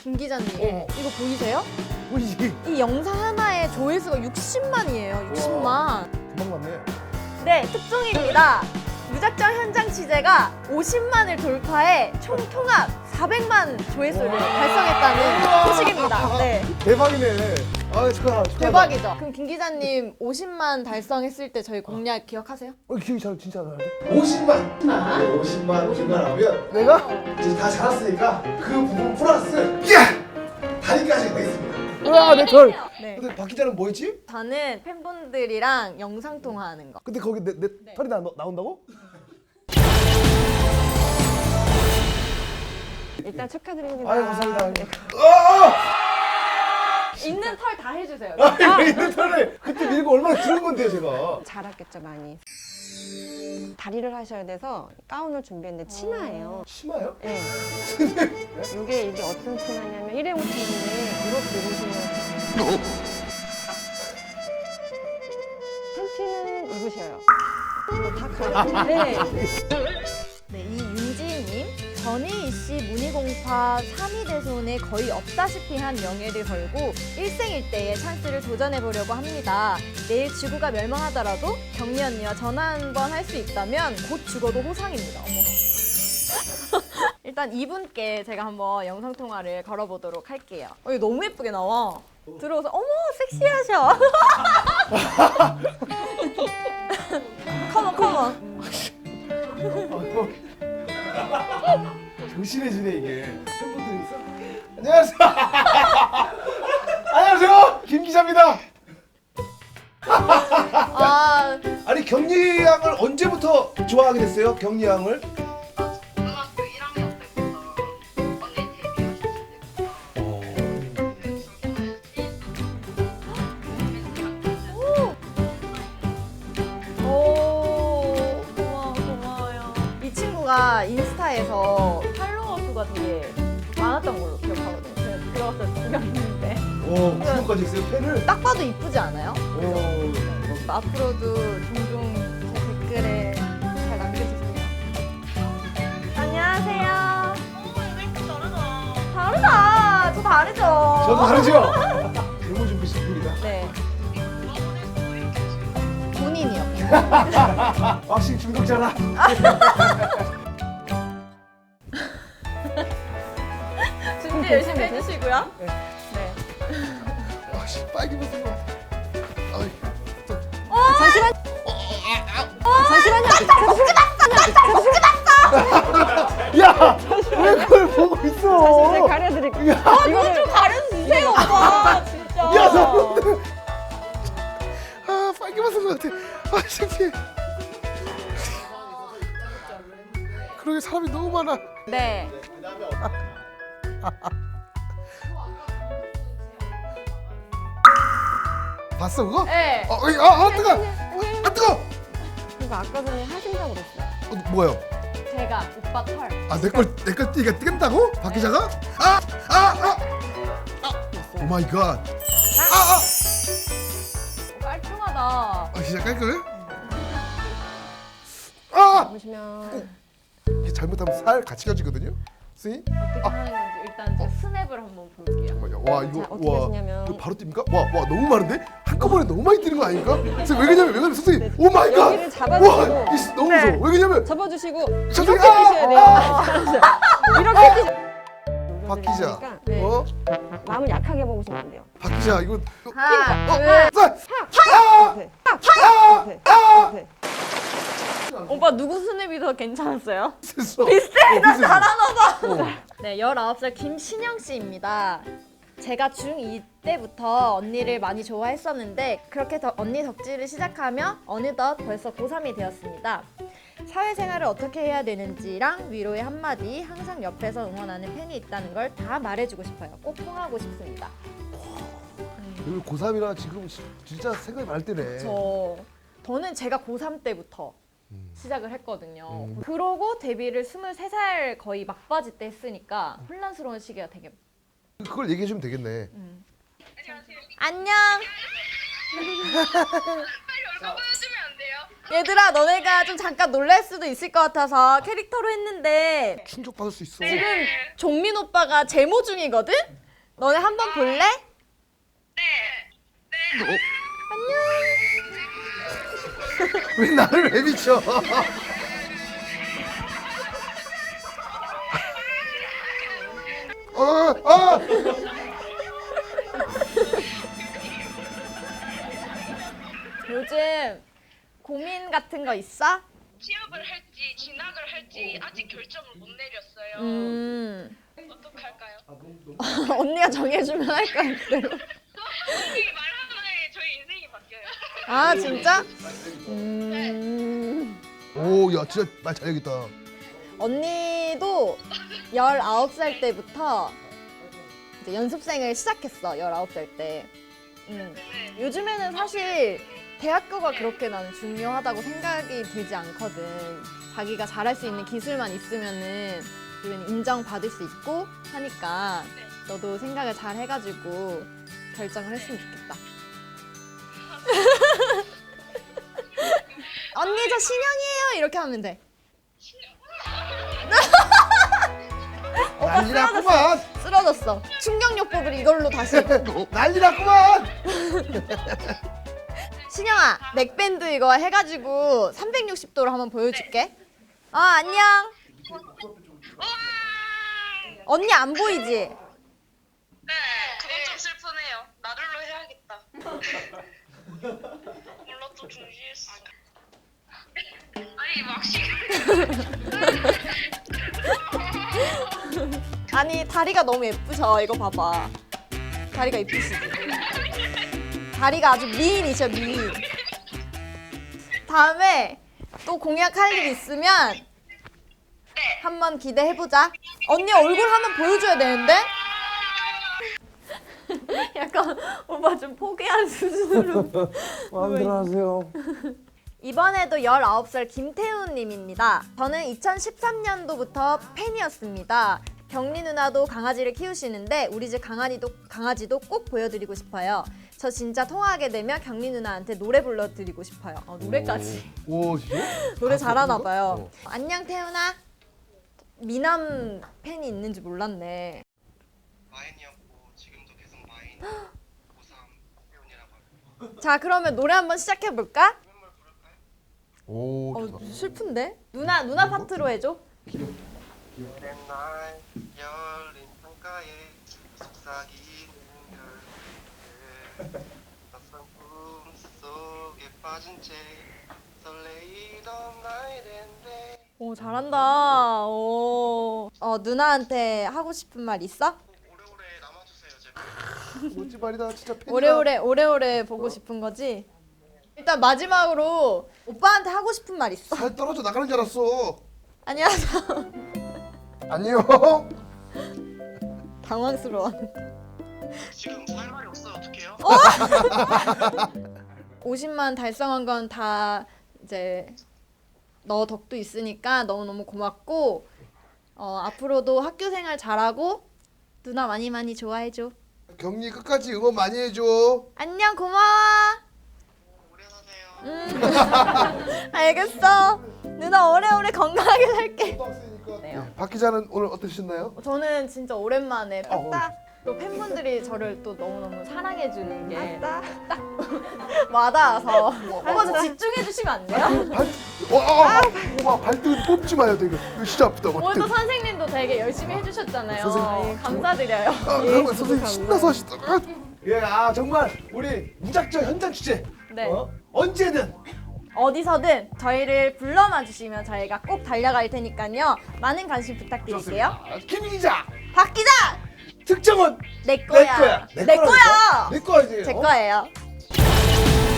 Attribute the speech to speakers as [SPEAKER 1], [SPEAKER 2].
[SPEAKER 1] 김 기자님, 이거 보이세요?
[SPEAKER 2] 보이지?
[SPEAKER 1] 이 영상 하나에 조회수가 60만이에요. 60만.
[SPEAKER 2] 금방 맞네.
[SPEAKER 1] 네, 특종입니다. 무작정 현장 취재가 50만을 돌파해 총 통합 400만 조회수를 달성했다는 소식입니다. 네,
[SPEAKER 2] 대박이네. 아, 축하하다.
[SPEAKER 1] 대박이죠. 그럼 김 기자님 50만 달성했을 때 저희 공략 기억하세요?
[SPEAKER 2] 기억이 진짜 안 나는데?
[SPEAKER 3] 50만! 50만 중간하면
[SPEAKER 2] 내가?
[SPEAKER 3] 이제 다 자랐으니까 그 부분 플러스 다리까지 가겠습니다.
[SPEAKER 2] 우와, 내 털.
[SPEAKER 1] 네.
[SPEAKER 2] 근데 박 기자는 뭐 했지?
[SPEAKER 1] 저는 팬분들이랑 영상 통화하는 거.
[SPEAKER 2] 근데 거기 내 털이 나온다고?
[SPEAKER 4] 일단 축하드립니다.
[SPEAKER 2] 아유, 감사합니다.
[SPEAKER 4] 네.
[SPEAKER 1] 있는 털 다 해주세요.
[SPEAKER 2] 있는 털을 그때 밀고 얼마나 길은 건데요, 제가.
[SPEAKER 4] 잘았겠죠 많이. 다리를 하셔야 돼서 가운을 준비했는데 치마예요.
[SPEAKER 2] 치마요?
[SPEAKER 4] 네. 이게 어떤 치마냐면 일회용 치마인데 이렇게 입으시면 팬티는 입으셔요. 다 가려. 네.
[SPEAKER 1] 네, 이 윤지희님. 전혜희 씨 문희공파 3위 대손에 거의 없다시피 한 명예를 걸고 일생일대의 찬스를 도전해보려고 합니다. 내일 지구가 멸망하더라도 경미 언니와 전화 한 번 할 수 있다면 곧 죽어도 호상입니다. 어머. 일단 이분께 제가 한번 영상통화를 걸어보도록 할게요. 이거 너무 예쁘게 나와. 들어오서 어머 섹시하셔. 컴온.
[SPEAKER 2] 조심해지네 이게. 팬분들이 있어? 안녕하세요. 안녕하세요. 김 기자입니다.
[SPEAKER 1] 아,
[SPEAKER 2] 아니 경리 양을 언제부터 좋아하게 됐어요? 경리 양을?
[SPEAKER 5] 고등학교 1학년 때부터 언니 데뷔하셨을
[SPEAKER 1] 오, 고마워요. 이 친구가 인스타에서 팔로워 수가 되게 많았던 걸로 기억하거든요. 제가 들어갔을 때 구경했는데.
[SPEAKER 2] 오, 구독까지 했어요 팬을?
[SPEAKER 1] 딱 봐도 이쁘지 않아요?
[SPEAKER 2] 오.
[SPEAKER 1] 앞으로도 종종 제 댓글에 잘 남겨주세요. 안녕하세요. 다르다. 저 다르죠?
[SPEAKER 2] 저도 다르죠? 데모 준비 중입니다.
[SPEAKER 1] 네. 본인이요.
[SPEAKER 2] 확실히 중독자라.
[SPEAKER 1] 준비 열심히 해주시고요. 네.
[SPEAKER 2] 확실히 빨개 벗은 것 같아. 아이. 야, 왜 그걸 보고 있어?
[SPEAKER 4] 제가 가려드릴게요.
[SPEAKER 1] 이거 좀 가려주세요, 오빠. 진짜.
[SPEAKER 2] 야, 너. 아, 빨개 벗은 것 같아. 아, 창피해. 그러게 사람이 너무 많아.
[SPEAKER 1] 네.
[SPEAKER 2] 봤어 그거?
[SPEAKER 1] 네.
[SPEAKER 2] 뜨거. 아 뜨거.
[SPEAKER 4] 이거 아까 전에 하신다고 그랬어요.
[SPEAKER 2] 뭐요?
[SPEAKER 1] 제가 오빠 털.
[SPEAKER 2] 아, 내걸 이가 뜨겠다고? 박 기자가? 오 마이 갓.
[SPEAKER 1] 깔끔하다.
[SPEAKER 2] 아, 진짜 깔끔해?
[SPEAKER 4] 보시면
[SPEAKER 2] 이게 잘못하면 살 같이 가지거든요. 선생님?
[SPEAKER 1] 어떻게 하는 건지 일단 제가 스냅을 한번 볼게요.
[SPEAKER 2] 와 이거
[SPEAKER 4] 자, 어떻게 하시냐면
[SPEAKER 2] 이거 바로 뜁니까? 와 너무 많은데? 한꺼번에 너무 많이 뛰는 거 아닙니까? 선생님 왜 그러냐면 선생님 오 마이 갓.
[SPEAKER 4] 여기를 잡아주시고.
[SPEAKER 2] 와 이거 너무 무서워. 왜 그러냐면
[SPEAKER 4] 접어주시고
[SPEAKER 2] 선생님,
[SPEAKER 4] 이렇게 뛰셔야 돼요. 이렇게 뛰.
[SPEAKER 2] 박 기자.
[SPEAKER 4] 네.
[SPEAKER 2] 어?
[SPEAKER 4] 마음을 약하게 먹으시면 안 돼요.
[SPEAKER 2] 박 기자 이거
[SPEAKER 1] 하나, 둘.
[SPEAKER 4] 네. 네. 네.
[SPEAKER 1] 오빠 누구 스냅이 더 괜찮았어요?
[SPEAKER 2] 비슷해.
[SPEAKER 1] 나 잘하나 봐. 네, 19살 김신영 씨입니다. 제가 중2 때부터 언니를 많이 좋아했었는데 그렇게 언니 덕질을 시작하며 어느덧 벌써 고3이 되었습니다. 사회생활을 어떻게 해야 되는지랑 위로의 한마디, 항상 옆에서 응원하는 팬이 있다는 걸 다 말해주고 싶어요. 꼭 통하고 싶습니다.
[SPEAKER 2] 여기 고3이라 지금 진짜 생각이 많을 때네.
[SPEAKER 1] 저는 제가 고3 때부터 시작을 했거든요. 그러고 데뷔를 23살 거의 막바지 때 했으니까 혼란스러운 시기가 되게.
[SPEAKER 2] 그걸 얘기해 주면 되겠네.
[SPEAKER 1] 안녕.
[SPEAKER 5] 빨리 얼굴 보여주면 안 돼요?
[SPEAKER 1] 얘들아, 너네가 좀 잠깐 놀랄 수도 있을 것 같아서 캐릭터로 했는데
[SPEAKER 2] 충격받을 수 있어.
[SPEAKER 1] 지금 종민 오빠가 제모 중이거든? 너네 한번 볼래?
[SPEAKER 2] 왜 나를 왜 미쳐? 아!
[SPEAKER 1] 요즘 고민 같은 거 있어?
[SPEAKER 5] 취업을 할지 진학을 할지 아직 결정을 못 내렸어요. 어떡할까요?
[SPEAKER 1] 언니가 정해주면 할 거야, 그대로.
[SPEAKER 5] 언니 말 하나에 저희 인생이 바뀌어요.
[SPEAKER 1] 아, 진짜?
[SPEAKER 2] 오, 야, 진짜 말 잘하겠다.
[SPEAKER 1] 언니도 19살 때부터 이제 연습생을 시작했어, 19살 때. 요즘에는 사실 대학교가 그렇게 나는 중요하다고 생각이 들지 않거든. 자기가 잘할 수 있는 기술만 있으면은 인정받을 수 있고 하니까 너도 생각을 잘 해가지고 결정을 했으면 좋겠다. 언니 저 신영이에요 이렇게 하면 돼.
[SPEAKER 2] 난리 났구만.
[SPEAKER 1] 쓰러졌어. 충격요법을 이걸로 다시.
[SPEAKER 2] 난리 났구만.
[SPEAKER 1] 신영아, 넥밴드 이거 해가지고 360도로 한번 보여줄게. 안녕. 언니 안 보이지?
[SPEAKER 5] 네, 그건 좀 슬프네요. 나를로 해야겠다. 몰라 또 중지했어. 아니 막시.
[SPEAKER 1] 아니 다리가 너무 예쁘셔. 이거 봐봐. 다리가 예쁘시지? 다리가 아주 미인이셔, 미인. 다음에 또 공약할 일 있으면 한번 기대해보자. 언니 얼굴 한번 보여줘야 되는데? 약간 오빠 좀 포기한 수준으로.
[SPEAKER 3] 마음대로 하세요.
[SPEAKER 1] 이번에도 19살 김태훈님입니다. 저는 2013년도부터 팬이었습니다. 경리 누나도 강아지를 키우시는데 우리 집 강아지도 꼭 보여드리고 싶어요. 저 진짜 통화하게 되면 경리 누나한테 노래 불러드리고 싶어요. 노래까지.
[SPEAKER 2] 오, 진짜?
[SPEAKER 1] 노래 잘하나 봐요. 안녕 태훈아. 미남 팬이 있는지 몰랐네.
[SPEAKER 6] 마인이었고 지금도 계속 마인 고3 태훈이라고 합니다.
[SPEAKER 1] 자 그러면 노래 한번 시작해볼까?
[SPEAKER 2] 오, 좋다.
[SPEAKER 1] 슬픈데? 누나 파트로 해줘.
[SPEAKER 6] 오랜 날 열린 창가에 속삭이는 별들 낯선 꿈 속에 빠진 채 설레이던 나이랜데
[SPEAKER 1] 오 잘한다. 오. 누나한테 하고 싶은 말 있어?
[SPEAKER 6] 오래오래 남아주세요 제발.
[SPEAKER 2] 멋진 말이다. 진짜 팬이다.
[SPEAKER 1] 오래오래 보고 싶은 거지? 일단 마지막으로 오빠한테 하고 싶은 말 있어?
[SPEAKER 2] 살 떨어져 나가는 줄 알았어.
[SPEAKER 1] 안녕하세요.
[SPEAKER 2] 안녕.
[SPEAKER 1] 당황스러워.
[SPEAKER 6] 지금 살 말이 없어요 어떡해요?
[SPEAKER 1] 50만 달성한 건 다 이제 너 덕도 있으니까 너무너무 고맙고 앞으로도 학교 생활 잘하고 누나 많이 좋아해줘.
[SPEAKER 2] 경리 끝까지 응원 많이 해줘.
[SPEAKER 1] 안녕 고마워.
[SPEAKER 6] 오래 사세요.
[SPEAKER 1] 알겠어. 누나 오래오래 건강하게 살게.
[SPEAKER 2] 박 기자는 오늘 어떠셨나요?
[SPEAKER 1] 저는 진짜 오랜만에 또 팬분들이 저를 또 너무너무 사랑해주는 게 딱 와닿아서 한번 더 집중해주시면 안 돼요?
[SPEAKER 2] 발등 뽑지 마요, 이거. 이거 진짜 아프다.
[SPEAKER 1] 오늘 또 선생님도 되게 열심히 해주셨잖아요.
[SPEAKER 2] 선생님.
[SPEAKER 1] 예, 감사드려요.
[SPEAKER 2] 잠깐만, 선생님 신나서 하시다가.
[SPEAKER 3] 예, 정말 우리 무작정 현장 취재.
[SPEAKER 1] 네.
[SPEAKER 3] 언제든
[SPEAKER 1] 어디서든 저희를 불러만 주시면 저희가 꼭 달려갈 테니까요. 많은 관심 부탁드릴게요.
[SPEAKER 3] 김 기자
[SPEAKER 1] 박 기자!
[SPEAKER 3] 특정은
[SPEAKER 1] 내 거야.
[SPEAKER 3] 내 거야.
[SPEAKER 1] 내 거야.
[SPEAKER 3] 내 거야지.
[SPEAKER 1] 제 거예요.